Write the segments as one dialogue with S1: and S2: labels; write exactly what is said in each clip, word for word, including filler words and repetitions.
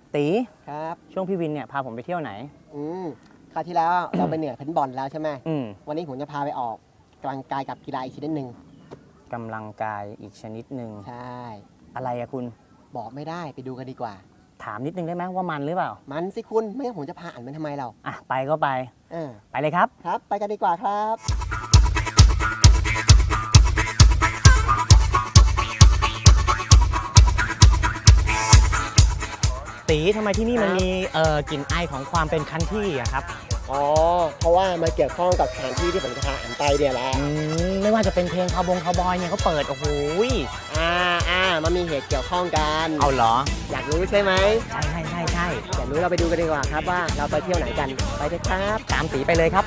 S1: ตี
S2: ครับ
S1: ช่วงพี่วินเนี่ยพาผมไปเที่ยวไหน
S2: อืมคราวที่แล้ว เราไปเหนือเพนบอลแล้วใช่ไหม
S1: อืม
S2: วันนี้ผมจะพาไปออกกำลังกายกับกีฬาอีกชนิดหนึ่ง
S1: กำลังกายอีกชนิดหนึ่ง
S2: ใช่
S1: อะไรอะคุณ
S2: บอกไม่ได้ไปดูกันดีกว่า
S1: ถามนิดนึงได้ไหมว่ามันหรือเปล่า
S2: มันสิคุณไม่งั้นผมจะพาอ่านมันทำไมเรา
S1: อ่ะไปก็ไป
S2: เออ
S1: ไปเลยครับ
S2: ครับ ไปกันดีกว่าครับ
S1: ตีทำไมที่นี่มันมีเอ่อกลิ่นไอของความเป็นคันที่อะครับ
S2: อ๋อเพราะว่ามันเกี่ยวข้องกับสถานที่ที่ผมจะพาอ่านไปเนี่ยแหละ
S1: อืมไม่ว่าจะเป็นเพลงคาวบงคาวบอยเนี่ยเขาเปิดโอ้โห
S2: อ่าอ่ามันมีเหตุเกี่ยวข้องกัน
S1: เอาเหรอ
S2: อยากรู้ใช่ไหม
S1: ใช่ใช่ใช่ใช่
S2: อยากรู้เราไปดูกันดีกว่าครับว่าเราไปเที่ยวไหนกันไปเลยครับ
S1: ตามตีไปเลยครับ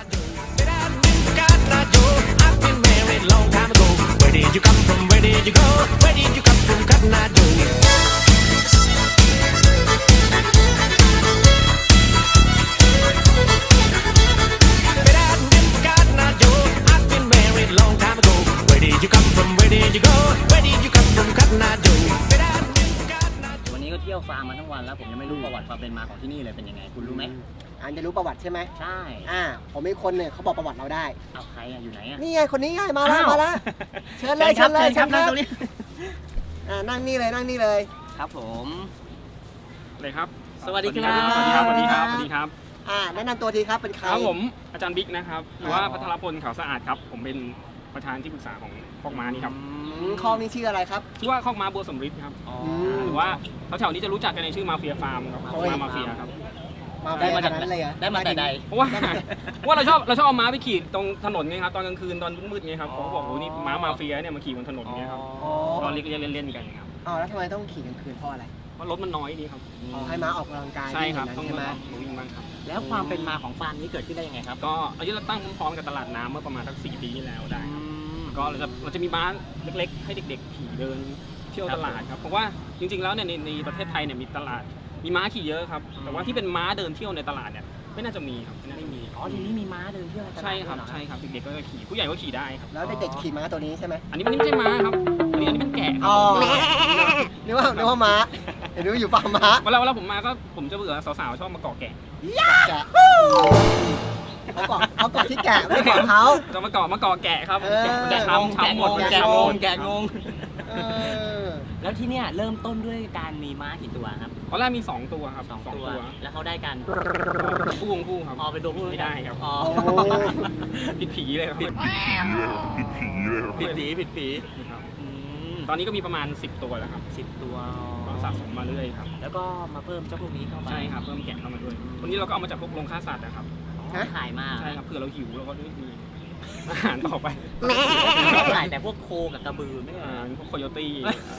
S3: Where did you come from? Where did you go? Where did you come from? Cotton Eye Joe. But I didn't Cotton Eye Joe. I've been married long time ago. Where did you come from? Where did you go? Where did you come from? Cotton Eye Joe. But I didn't Cotton Eye Joe.
S1: วันนี้ก็เที่ยวฟาร์มมาทั้งวันแล้วผมยังไม่รู้ประวัติความเป็นมาของที่นี่เลยเป็นยังไงคุณรู้ไหม
S2: อ่านจะรู้ประวัติใช่ไหม
S1: ใช่
S2: อ่าผมมีคนเนี่ยเขาบอกประวัติเราได้
S1: เอาใครอะอยู่ไหนอะ
S2: นี่ไงคนนี้ไงมาแล้วมาแล้วเชิญเลยเชิญเลย
S1: เชิญครับนั่งตรงนี้
S2: อ่านั่งนี่เลยนั่งนี่เลย
S1: ครับผม
S4: เลยครับ
S1: สวัสดีครับ
S4: สวัสดีครับสวัสดีครับสวัสดีครับ
S2: อ่าแนะนำตัวทีครับเป็นใคร
S4: ครับผมอาจารย์บิ๊กนะครับหรือว่าพัทรพลเขาสะอาดครับผมเป็นประธานที่ปรึกษาของคอกม้านี่ครับ
S2: คอกนี้ชื่ออะไรครับ
S4: ชื่อว่าคอกม้าบัวสมฤทธิ์ครับหรือว่าแถวๆนี้จะรู้จักกันในชื่อมาเฟียฟาร์มครับคอกม้ามาเฟียครับ
S2: ได้มาจากนั้นเลย
S1: ได้มาแต่ใด
S4: เพราะว่าเพราะว่าเราชอบเราชอบเอาม้าไปขี่ตรงถนนไงครับตอนกลางคืนตอนมืดๆไงครับเขาบอกโอ้นี่ม้ามาเฟียเนี่ยมาขี่บนถนนไงครับตอนเล่นเล่นๆกันครับ
S2: อ๋อแล้วทำไมต้องขี่กลางคืนเพราะอะไร
S4: เพราะรถมันน้อยดีครับ
S2: อ๋อให้ม้าออกกำลังกาย
S4: ใช่ครับต้อง
S2: ใช่ไหม
S4: วิ่งบ้างครับ
S1: แล้วความเป็นมาของฟาร์มนี้เกิดขึ้นได้ยังไงครับ
S4: ก็อันนี้เราตั้งพร้อมๆกับตลาดน้ำเมื่อประมาณสักสี่ปีที่แล้วได้ก็เราจะเราจะมีม้าเล็กๆให้เด็กๆขี่เดินเที่ยวตลาดครับเพราะว่าจริงๆแล้วเนี่ยในในประเทศไทยเนี่ยมีตลาดมีม้าขี่เยอะครับแต่ว่าที่เป็นม้าเดินเที่ยวในตลาดเนี่ยไม่น่าจะมีครับไม่มี
S1: อ๋อทีนี้มีม้าเดินเที่ยวในตลาด
S4: ใช่ครับใช่ครับเด็กๆก็จะขี่ผู้ใหญ่ก็ขี่ได้ครับ
S2: แล้วเด็กๆขี่ม้าตัวนี้ใช่ไหม
S4: อันนี้มันไม่ใช่ม้าครับอันนี้อันนี้เป็นแกะ
S2: อ๋อนึกว่านึกว่าม้าเห็นดูอยู่ฟาร์มม้า
S4: เวลาเวลาผมมาก็ผมจะเบื่อสาวๆชอบมาเกาะแกะ
S2: แกะเขาเกาะเขาเกาะที่แกะไม่ได้เกาะเขา
S4: จะมาเกาะมาเกาะแกะครับแกะช้ำช้ำหมด
S1: แกะงงแกะงงแล้วที่เนี่ยเริ่มต้นด้วยการมีม้ากี่ตัวครับ
S4: ตอนแรกมีสองตัวครับ
S1: สองตัวแล้วเขาได้กัน
S4: คู่ของคู่ครับ
S1: อ๋อเป็นตัวผู้
S4: ไม่ได้ครับ
S1: อ๋อ
S4: ผิดผีเลยครับผิด
S1: ผีผิดผีผิดผี
S4: ตอนนี้ก็มีประมาณสิบตัวแล้วครับ
S1: สิบตัว
S4: สะสมมาเรื่อยครับ
S1: แล้วก็มาเพิ่มเจ้าพวกนี้เข้ามา
S4: ใช่ครับเพิ่มแกะเข้ามาด้วยวันนี้เราก็เอามาจากพวกโรงฆ่าสัตว์นะครับ
S1: ขายมา
S4: ใช่ครับเผื่อเราหิวเราก็ได้มีอาหารต่อไป
S1: ขายแต่พวกโคกับกระบือไม่ใช่
S4: พวกโคโยตี้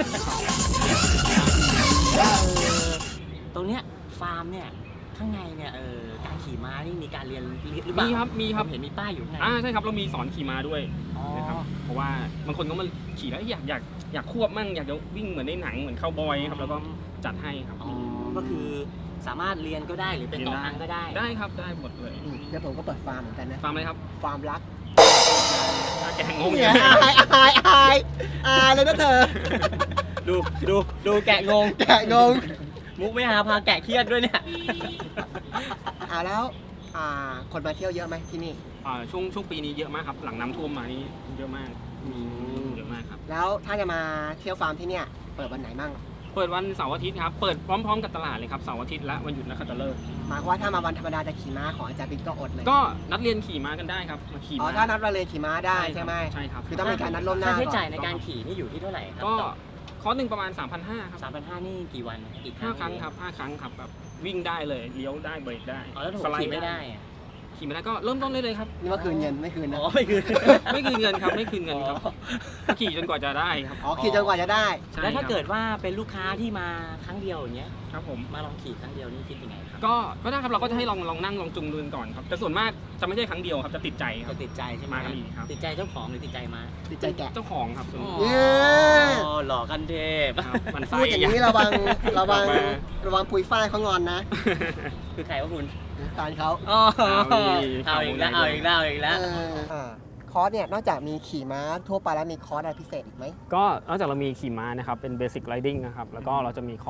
S1: ตรงเนี้ยฟาร์มเนี่ยข้างในเนี่ยเออการขี่ม้านี่มีการเรียนหรือเปล่า
S4: มีครับมีครับ
S1: เห็นมีป้ายอยู่ข้างใน
S4: อ่าใช่ครับเรามีสอนขี่ม้าด้วยนะครับเพราะว่าบางคนก็มาขี่แล้วอยากอยากอยากควบมั่งอยากจะวิ่งเหมือนในหนังเหมือนคาวบอยครับแล้วก็จัดให้ครับ
S1: ก็คือสามารถเรียนก็ได้หรือเป็นต่อทางก็ได้
S4: ได้ครับได้หมดเลย
S2: เดี๋ยวผมก็เปิดฟาร์มเหมือนกันนะ
S4: ฟาร์มอะไรครับ
S2: ฟาร์มรัก
S4: แกะงง
S2: เนี่ยอายอายอายอายเลยนะเธอ
S1: ดูดูดูแกะงง
S2: แกะงง
S1: มุกไม่หาพาแกะเครียดด้วยเนี่ย
S2: อ่าแล้วอ่าคนมาเที่ยวเยอะไหมที่นี่
S4: อ่าช่วงช่วงปีนี้เยอะมากครับหลังน้ำท่วมมานี่เยอะมากเยอะมากครับ
S2: แล้วถ้าจะมาเที่ยวฟาร์มที่เนี่ยเปิดวันไหนบ้าง
S4: เปิดวันเสาร์อาทิตย์ครับเปิดพร้อมๆกับตลาดเลยครับเสาร์อาทิตย์และวันหยุดนักขัตฤกษ์
S2: หมายความว่าถ้ามาวันธรรมดาจะขี่ม้าของอาจารย์บิ๊กก็อดเลย
S4: ก็นัดเรียนขี่ม้ากันได้ครับมาขี่
S2: อ๋อถ้านัดเรียนขี่ม้าได้ใช่ไหม
S4: ใช่ครับ
S2: คือต้องมีการนัดล่วงหน้า
S1: ค่าใช้จ่ายในการขี่นี่อยู่ที่เท่าไหร่ครับ
S4: ก็คอร์สหนึ่งประมาณ สามพันห้าร้อย ครับ
S1: สามพันห้าร้อย นี่กี่วัน
S4: อีกห้าครั้งครับห้าครั้งครับแบบวิ่งได้เลยเลี้ยวได้เบรกได้
S1: อ๋อแล้วขี่ไม่ได้
S4: ขี่ไม่ได้ก็เริ่มต้นได้เลยครับ
S2: นี่ว่าคืนเงินไม่คืนนะ
S1: อ๋อไม่คืน
S4: ไม่คืนเงินครับไม่คืนเงินครับขี่จนกว่าจะได้ครับ
S2: อ๋อขี่จนกว่าจะได้
S1: แล้วถ้าเกิดว่าเป็นลูกค้าที่มาครั้งเดียวอย่างเงี้ย
S4: ครับผม
S1: มาลองขี่ครั้งเดียวนี่คิดยังไงครับ
S4: ก็ก็ได้ครับเราก็จะให้ลองลองนั่งลองจุงดูก่อนครับแต่ส่วนมากจะไม่ใช่ครั้งเดียวครับจะติดใจครับ
S1: จะติดใจใช่ไหม
S4: มากันอีกครับ
S1: ติดใจเจ้าของหรือติดใจมา
S2: ติดใจแกะ
S4: เจ้าของครับ
S1: อ๋อหล่อกันเทพ
S4: มัน
S2: พูดอย่างนี้ระวังระวังระวังปุยฝ้ายเขางอนนะ
S1: คือใครวะคุณ
S2: ตานเขา
S1: เอาอีกแล้วเอาอีกแล้วเอาอีกแล้ว
S2: คอร์สเนี่ยนอกจากมีขี่ม้าทั่วไปแล้วมีคอร์สอะไรพิเศษอีกไหม
S4: ก็นอกจากเรามีขี่ม้านะครับเป็นเบสิกไรดิ้งนะครับแล้วก็เราจะมีคอร์ส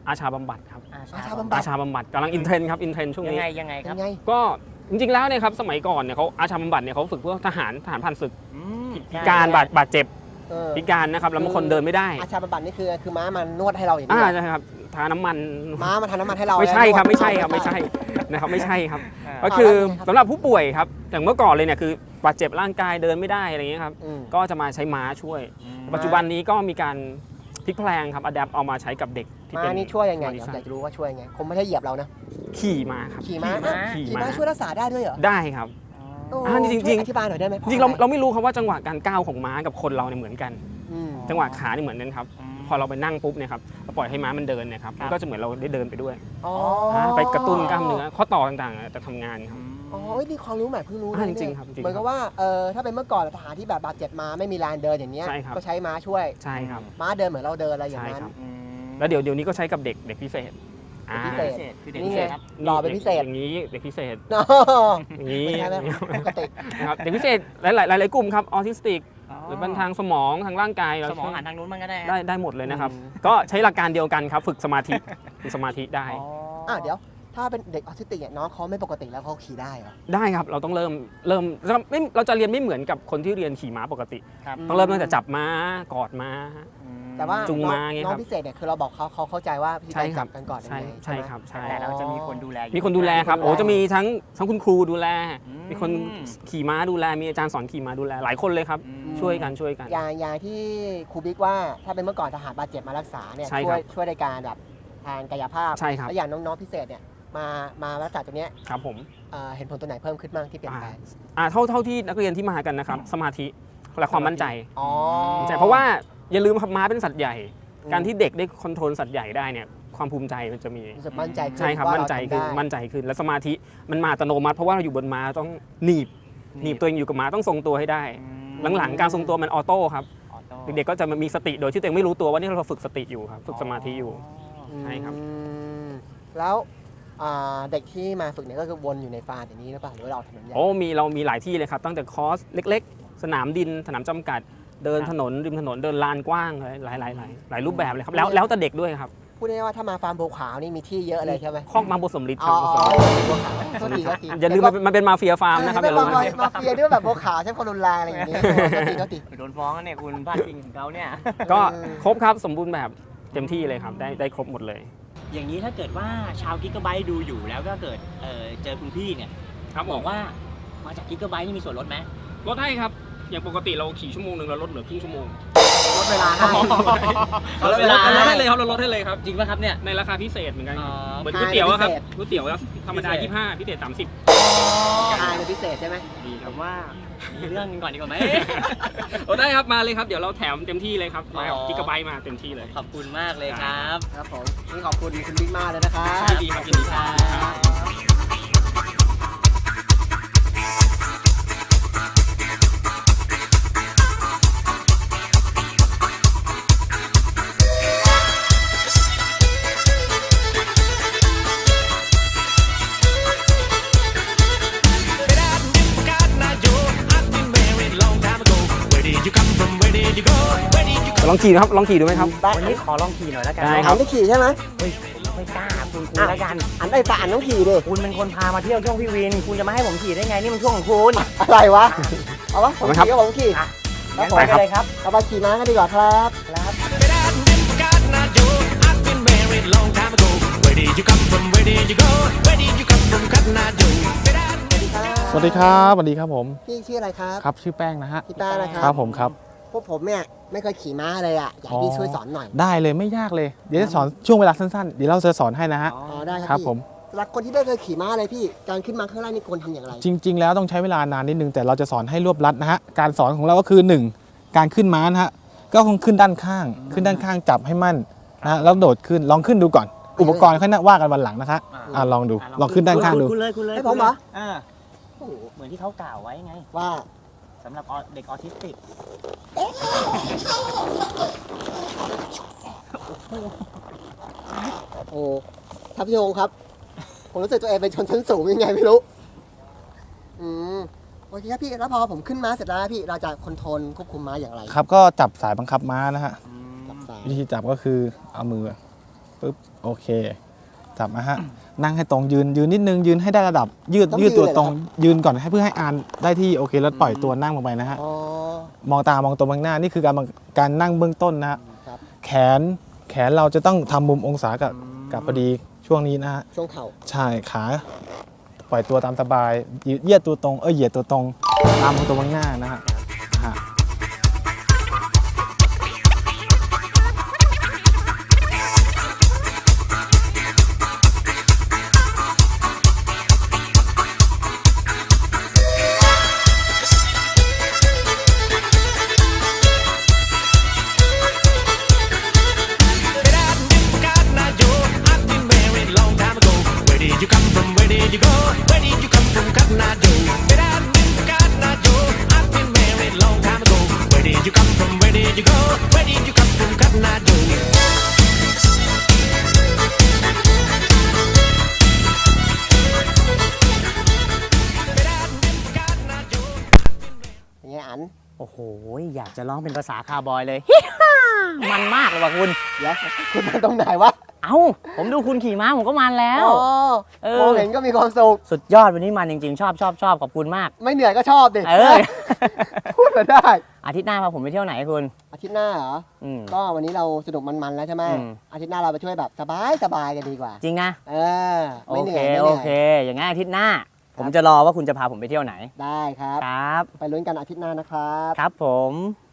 S4: อาชาบำบัดครับ
S1: อา
S2: อาชา
S1: ชา
S2: บำบั
S4: อา
S2: ด
S4: ชาบำบัดกำลังอินเทรนด์ครับอินเทรนด์ช่วง
S1: ยัง
S4: นี้
S1: ไงยังไงค
S2: ยั
S1: รับ
S2: งไง
S4: ก็จริงๆแล้วเนี่ยครับสมัยก่อนเนี่ยเขาอาชาบำบัดเนี่ยเขาฝึกเพื่อทหารทหารผ่านศึก
S1: อืม
S4: พิการบาดบาดเจ็บ
S2: เออ
S4: พิการนะครับแล้วบางคนเดินไม่ได้
S2: อาชาบำบัดนี่คือคือม้ามันนวดให้เราอย่าง
S4: อ่า
S2: นี้เหรอ
S4: ใช่ครับทาน้ำมัน
S2: ม้ามันทาน้ำมันให้เรา
S4: ไม่ใช่ครับ
S2: นวด
S4: ไม่ใช่ครับไม่ใช่นะครับไม่ใช่ครับ
S1: อ่า
S4: ก็คือ
S2: แล้วยังไงครับ
S4: สำหรับผู้ป่วยครับอย่างเมื่อก่อนเลยเนี่ยคือบาดเจ็บร่างกายเดินไม่ได้อะไรอย่างเงี้ยครับ
S2: อืม
S4: ก็จะมาใช้ม้าช่วย
S1: อืม
S4: ปัจจุบันนี้ก็มีการพลิกแพลงครับอัดแอปเอามาใช้กับเด็กที่
S2: ม้า
S4: เป็น
S2: นี่ช่วยยังไง
S4: บริ
S2: เดี๋ยว
S4: ษัท
S2: อยากจะรู้ว่าช่วยยังไงคงไม่ได้เหยียบเรานะ
S4: ขี่ม้าครับ
S2: ขี่ม้า
S4: ขี่
S2: ขี่
S4: ม้า
S2: ม้าช่วยรักษาได้ด้วยเหรอ
S4: ได้ครับ
S2: โอ้
S4: อ่าจริงๆ
S2: ช่วยอธิบายหน่อยได้ไหม
S4: จริงๆเราเราไม่รู้ครับว่าจังหวะการก้าวของม้ากับคนเราเนี่ยเหมือนกัน
S2: อืม
S4: จังหวะขาเนี่ยเหมือนกันครับ
S1: อืม
S4: พอเราไปนั่งปุ๊บเนี่ยครับเราปล่อยให้ม้ามันเดินเนี่ยครับ
S1: ครับ
S4: มันก็จะเหมือนเราได้เดินไปด้วย
S2: อ๋อ
S4: อ่าไปกระตุ้นกล้ามเนื้อข้อต่อต่างๆจะทำงานครับ
S2: อ๋อเอ้ยนี่ความรู้ใหม่เพิ่งรู้
S4: อ่า
S2: นะ
S4: จริงๆ
S2: เนี่ย
S4: ครับจริงๆ
S2: เหมือนกับว่าเออถ้าเป็นเมื่อก่อนทหารที่แบบบาดเจ็บมาไม่มีแรงเดินอย่างเงี้ย
S4: ใช่ครับ
S2: ก็ใช้ม้าช่วย
S4: ใช่ครับ
S2: ม้าเดินเหมือนเราเดินอะไรอย่าง
S4: ใช่
S2: นั้น
S4: ครับ
S1: อืม
S4: แล้วเดี๋ยวเดี๋ยวนี้ก็ใช้กับเด็กเด็กพิเศษอ่า
S2: เด็กพิเศษ
S1: พิเศษคือเด็ก
S2: นี่
S1: พิ
S2: ไง
S1: เศษครับ
S2: หล่อเป็นพิเศษ
S4: อย่างนี้เด็กพิเศษ
S2: อ๋อ
S4: อย่างนี้
S2: ไม่ใช่แบบปกติ
S4: นะครับเด็กพิเศษหลายๆหลายๆกลุ่มครับออทิสติกหรือเป็นทางสมองทางร่างกายเรา
S1: สมองหันทางนู้นมันก็ได้
S4: ได้ได้หมดเลยนะครับ
S2: อืม
S4: ก็ใช้หลักการเดียวกันครับฝึกสมาธิฝึกสมาธิได้
S1: อ๋อ
S2: อ่ะเดี๋ยวถ้าเป็นเด็กออทิสติกเนี่ยน้องเขาไม่ปกติแล้วเขาขี่ได้เหรอ
S4: ได้ครับเราต้องเริ่มเริ่มเราไม่เราจะเรียนไม่เหมือนกับคนที่เรียนขี่ม้าปกติ
S1: ครับ
S4: ต้องเริ่มตั้งแต่จับม้ากอดม้า
S1: อืม
S2: แต่ว่า
S4: จูง
S2: น้อง
S4: ม้าไง
S2: น้อ
S4: ครั
S2: ง
S4: บ
S2: พิเศษเนี่ยคือเราบอกเขาเขาเข้าใจว่าพี่
S4: ใช่
S2: ต้อง
S4: ครั
S2: จั
S4: บบ
S2: กันก่อนยัง
S4: ใช่
S2: ไง
S4: ใช่
S2: ไหม
S4: ครับใช่
S1: แต่เราจะมีคนดูแลอยู่
S4: มีคนดูแลครับ
S2: มีคนดูแล
S4: โอ้จะมีทั้งทั้งคุณครูดูแล
S1: อืม
S4: มีคนขี่ม้าดูแลมีอาจารย์สอนขี่ม้าดูแลหลายคนเลยครับ
S1: อืม
S4: ช่วยกันช่วยกัน
S2: อย่างอย่างที่ครูบิ๊กว่าถ้าเป็นเมื่อก่อนทหารบาดเจ็บมารักษาเนี่ย
S4: ใช่
S2: ช่
S4: ครั
S2: วย
S4: บ
S2: ช่วยในการแบบทางกายภาพ
S4: ใช่ครับ
S2: แล้วอย่างน้องๆพิเศษเนี่ยมามารักษาตรงเนี้ย
S4: ครับผม
S2: เอ่อเห็นผลตัวไหนเพิ่มขึ้นบ้างที่เปลี่ยนแปลง
S4: อ่าเท่าเท่าที่นักเรียนที่มากันนะครับสมาธิและความมั่นใจ
S2: อ๋อ
S4: ใช่เพราะว่าอย่าลืมครับม้าเป็นสัตว์ใหญ่
S2: อืม
S4: การที่เด็กได้คอนโทรลสัตว์ใหญ่ได้เนี่ยความภูมิใจมันจะมี
S2: รู้สึกมั่นใจขึ้น
S4: ใช่ครับ
S2: ว่า
S4: มั่นใจ
S2: เราทำ
S4: ขึ้น
S2: ได้
S4: มั่นใจขึ้นและสมาธิมันมาอัตโนมัติเพราะว่าเราอยู่บนม้าต้องหนีบหนีบตัวเองอยู่กับม้าต้องทรงตัวให้ได้ หลังๆการทรงตัวมันออโต้ครับ
S1: ออโต้
S4: เด็กๆก็จะมีสติโดยที่ตัวเองไม่รู้ตัวว่านี่เราฝึกสติอยู่ครับฝึกสมาธิอยู่ ใช่ครับ
S2: อืมแล้วอ่าเด็กที่มาฝึกเนี่ยก็คือวนอยู่ในฟาร์มอย่างนี้หรือเปล่าหรือว่าเราถนนใหญ่
S4: โอ้มีเรามีหลายที่เลยครับตั้งแต่คอร์สเล็ก ๆ สนามดินสนามจำกัด เดินถนนริมถนนเดินลานกว้างหลายหลายหลายหลายรูปแบบเลยครับแล้วแล้วแต่เด็กด้วยครับ
S2: พูดง่ายๆว่าถ้ามาฟาร์มบัวขาวนี่มีที่เยอะเลยใช่ไหม
S4: คอกมาบุสมฤทธิ์ค
S2: อ๋
S4: รั
S2: อบ
S4: บุสมฤทธิ์
S2: บัวขาวโทษทีโทษที
S4: อย่าลืมมันเป็นมันเป็นมาเฟียฟาร์มนะครับอย่าลืม
S2: มามาเฟียด้วยแบบบัวขาวใช้ความรุนแรงอะไรอย่างเงี้ยโทษทีโทษที
S1: โดนฟ้องแล้วเนี่ยคุณพลาดพิงถึงเขาเนี่ย
S4: ก็ครบครับสมบูรณ์แบบเต็มที่เลยครับได้ได้ครบหมดเลย
S1: อย่างนี้ถ้าเกิดว่าชาวกิกะไบต์ดูอยู่แล้วก็เกิดเอ่อเจอคุณพี่เนี่ย
S4: ครับ
S1: บอกว่ามาจากกิกะไบต์นี่มีส่วนลดไหม
S4: ลดให้ครับอย่างปกติเราขี่ชั่วโมงหนึ่งเราลดเหลือครึ่งชั่วโมง
S2: ลดเวลาให้
S1: ลดเวลา
S4: ลดให้เลยครับเราลดให้เลยครับ
S1: จริงป่ะครับเนี่ย
S4: ในราคาพิเศษเหมือนกัน
S1: อ๋อ
S4: เหมือนก๋วยเตี๋ยวอะครับ
S2: พิเศษ
S4: ก๋วยเตี๋ยวอะธรรมดา
S1: พิเศษ
S4: ยี่สิบห้าพิเศษสามสิบ
S2: ทานเป็นพิเศษใช่ไหม
S4: ดีค
S1: ผ
S4: รับ
S1: มว่ามีเรื่องหนึงก่อนดีกว่าไหม
S4: โอ้ได้ครับมาเลยครับเดี๋ยวเราแถมเต็มที่เลยครับมากับ
S1: อ๋อ
S4: กิกะไบต์มาเต็มที่เลย
S1: ขอบคุณมากเลยครับ
S2: ครับผมนี่ขอบคุณคุณบิ๊กมากเลยนะครับ
S4: ยินดีครับยินดีครับ
S3: But I didn't forget now, Joe. I've been married long time ago. Where did you come from? Where did you go? Where did you come
S4: ลองขี่ดูครับลองขี่ดูไหมครับ
S1: วันนี้ขอลองขี่หน่อยแล้วกัน
S4: ได้
S2: อันได้ขี่ใช่ไหม
S1: เฮ้ยผมไม่กล้าคุณคุณ
S2: อ่ะ
S1: แล้วกัน
S2: อันได้แต่อันต้องขี่ดิ
S1: คุณเป็นคนพามาเที่ยวช่วงพี่วิน คุณจะมาให้ผมขี่ได้ไงนี่มันช่วงของคุณ
S2: อะไรวะเอาวะผม
S4: เอาไหมครับ
S2: ขี่ก็ผมขี่
S1: อ่ะ
S2: ครับ
S1: งั้น
S2: ผม
S1: ไปกันเลยครับ
S2: เราไปขี่ม้ากันดีกว่าครับ
S1: ครับ
S3: But I didn't forget now, Joe. I've been married long time ago. Where did you come from? Where did you go? Where did you come from? Cotton Eye Joe. But I didn't
S5: สวัสดีครับสวัสดีครับผม
S2: พี่ชื่ออะไรครับ
S5: ครับชื่อแป้งนะฮะ
S2: พี่แป้งนะค
S5: ครั
S2: รั
S5: บบ ผมครับ
S2: พวกผมเนี่ยไม่เคยขี่ม้าเลยอ่ะอยากให้พี่ช่วยสอนหน่อย
S5: ได้เลยไม่ยากเลย เดี๋ยวจะสอนช่วงเวลาสั้นๆ เดี๋ยวเราจะสอนให้นะฮะ
S2: อ๋อได้
S5: ค
S2: ค
S5: รั
S2: รั
S5: บบ ผม
S2: สำหรับคนที่ไม่เคยขี่ม้าเลยพี่การขึ้นมาข้างล่างนี่ควรทำอย่างไร
S5: จริง ๆ แล้วต้องใช้เวลานานนิดนึงแต่เราจะสอนให้รวบรัดนะฮะการสอนของเราก็คือหนึ่งการขึ้นม้านะฮะก็คงขึ้นด้านข้าง ขึ้นด้านข้างจับให้มั่นนะฮะแล้วโดดขึ้นลองขึ้นดูก่อน อุปกรณ์ค่อยว่ากันวันหลังนะคะอ่าลองดูลองขึ้นด้านข้างดู
S1: คุณเลยคุณเลย
S2: ให้ผมเหรอ
S1: อ่าโอ้โหเหมือนที่เขากล่าวไว้ไง
S2: ว่า
S1: สำหรับออเด็กออทิสติก
S2: โอ้ท่านผู้ชมครับ ผมรู้สึกตัวเองเป็นชนชั้นสูงยังไงไม่รู้อืมโอเคครับพี่แล้วพอผมขึ้นม้าเสร็จแล้วพี่เราจะคอนโทรลควบคุมม้าอย่างไร
S5: ครับก็จับสายบังคับม้านะฮะ
S2: จับสาย
S5: วิธีจับก็คือเอามือปึ๊บโอเคจับมาฮะนั่งให้ตรงยืนยืนนิดนึงยืนให้ได้ระดับ ยืดยืดตัวตรงยืนก่อนให้เพื่อให้อานได้ที่โอเคแล้วปล่อยตัวนั่งลงไปนะฮะ
S2: อ๋อ
S5: มองตามองตัวข้างหน้านี่คือการการนั่งเบื้องต้นนะฮะ
S2: ครับ
S5: แขนแขนเราจะต้องทำมุมองศากับกับพอดีช่วงนี้นะฮะ
S2: ช่วงเข่า
S5: ใช่ขาปล่อยตัวตามสบายยืดเหยียดตัวตรงเออเหยียดตัวตรงตามตัวข้างหน้านะฮะฮะ
S3: But I never forgot now, Joe. I've been married long time ago. Where did you come from? Where did you go? Where did you come from, Cotton Eye Joe? But I never forgot now, Joe. I've been married long time ago. Where did you come from? Where did you go? Where did you come from, Cotton Eye Joe?
S2: อย่างเงี้ยอัน
S1: โอ้โหอยากจะร้องเป็นภาษาคาวบอยเลย ฮิฮ่ามันมากเลยว่ะคุณ
S2: เดี๋ยวคุณมาตรงไหนวะ
S1: เอ้าผมดูคุณขี่ม้าผมก็มันแล้ว
S2: อ๋อ
S1: เออ
S2: มองเห็นก็มีความสุข
S1: สุดยอดวันนี้มันจริงๆ ชอบชอบชอบขอบคุณมาก
S2: ไม่เหนื่อยก็ชอบดิ
S1: เออ
S2: พูดมาได้
S1: อาทิตย์หน้าพาผมไปเที่ยวไหนคุณ
S2: อาทิตย์หน้าเหรอ
S1: อืม
S2: ก็วันนี้เราสนุกมันๆแล้วใช่ไหม
S1: อืม
S2: อาทิตย์หน้าเราไปช่วยแบบสบายสบายๆกันดีกว่า
S1: จริงนะ
S2: เออ
S1: โอ
S2: ไม่เหนื่
S1: เค
S2: อยไม่เห
S1: โอ
S2: นื่อย
S1: เค อย่างงั้นอาทิตย์หน้า ผมจะรอว่าคุณจะพาผมไปเที่ยวไหน
S2: ได้ครับ
S1: ครับ
S2: ไปลุ้นกันอาทิตย์หน้านะครับ
S1: ครับผม